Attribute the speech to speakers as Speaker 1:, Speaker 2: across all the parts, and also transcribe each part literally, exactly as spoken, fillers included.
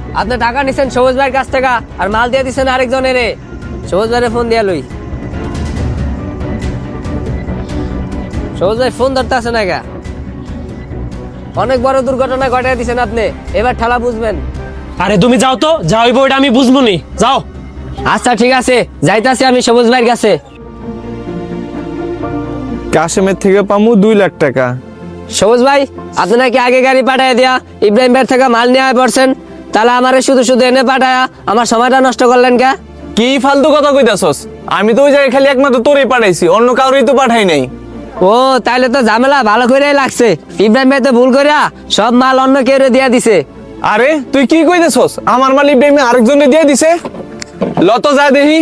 Speaker 1: আপনি টাকা নিছেন সবুজ ভাইয়ের কাছ থেকে আর মাল দিয়ে দিচ্ছেন আরেকজনের। সবুজ ভাইয়ের ফোন দিয়া লই। সবুজ ভাই ফোন ধরতে আছে না গা? অনেক বড় দুর্ঘটনা ঘটাই দিচ্ছেন আপনি, এবার ঠেলা বুঝবেন।
Speaker 2: আরে তুমি যাও তো, যাও ওই বইটা আমি বুঝবো নি, যাও।
Speaker 1: আচ্ছা ঠিক আছে, যাইতাছি আমি সবুজ ভাইয়ের কাছে।
Speaker 3: কাশেমের থেকে পামু দুই লাখ টাকা।
Speaker 1: সবুজ ভাই, আপনি নাকি আগে গাড়ি পাঠায় দিয়া ইব্রাহিম ভাইয়ের থেকে মাল নিয়ে পড়ছেন, তাহলে আমারে শুধু শুধু এনে পাঠায়া আমার সময়টা নষ্ট করলেন কে?
Speaker 3: কি ফালতু কথা কইতাছস? আমি তো ওই জায়গায় খালি একমাত্র তোরই পাঠাইছি, অন্য কাউরই তো পাঠাই নাই।
Speaker 1: ও তাইলে তো ঝামেলা ভালো করেই লাগছে। ইব্রাহিম ভাই তো ভুল করিয়া সব মাল অন্য কেউ দিয়া দিছে।
Speaker 3: আরে তুই কি কইতেছস? আমার মাল ইব্রাহিম আরেকজনে দিয়ে দিছে। লত যা দেখি।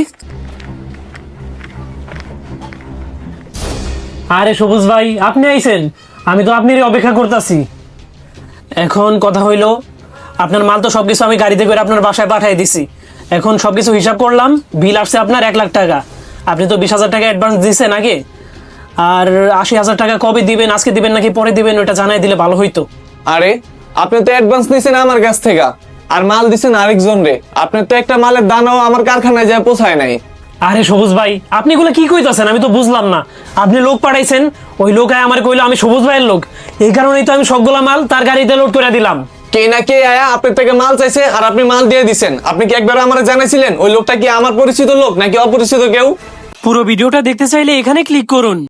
Speaker 2: আরে সবুজ ভাই, আপনি আইছেন? আমি তো আপনারই অপেক্ষা করতেছি। এখন কথা হইলো, আপনার মাল তো সবকিছু আমি গাড়িতে করে আপনার বাসায় পাঠিয়ে দিছি। এখন সবকিছু হিসাব করলাম, বিল আসছে আপনার এক লাখ টাকা। আপনি তো বিশ হাজার টাকা অ্যাডভান্স দিয়েছেন আগে, আর আশি হাজার টাকা কবে দিবেন, আজকে দিবেন নাকি পরে দিবেন, ওটা জানাই দিলে ভালো হইতো।
Speaker 3: আরে আপনি তো অ্যাডভান্স নিছেন আমার কাছ থেকে, আর মাল দিছেন আরেকজন রে। আপনি তো একটা মালের দানাও আমার কারখানায় যায় পৌঁছায় নাই।
Speaker 2: আরে সবুজ ভাই, আপনি এগুলো কি কইতাছেন? আমি তো বুঝলাম না। আপনি লোক পাঠাইছেন, ওই লোক আয় আমার কইলো আমি সবুজ ভাইয়ের লোক, এই কারণেই তো আমি সবগুলা মাল তার গাড়িতে লোড করে দিলাম।
Speaker 3: কে না কে আয়া আপনার থেকে মাল চাইছে আর আপনি মাল দিয়ে দিছেন। আপনি কি একবার আমার জানাইছিলেন ওই লোকটা কি আমার পরিচিত লোক নাকি অপরিচিত কেউ?
Speaker 2: পুরো ভিডিওটা দেখতে চাইলে এখানে ক্লিক করুন।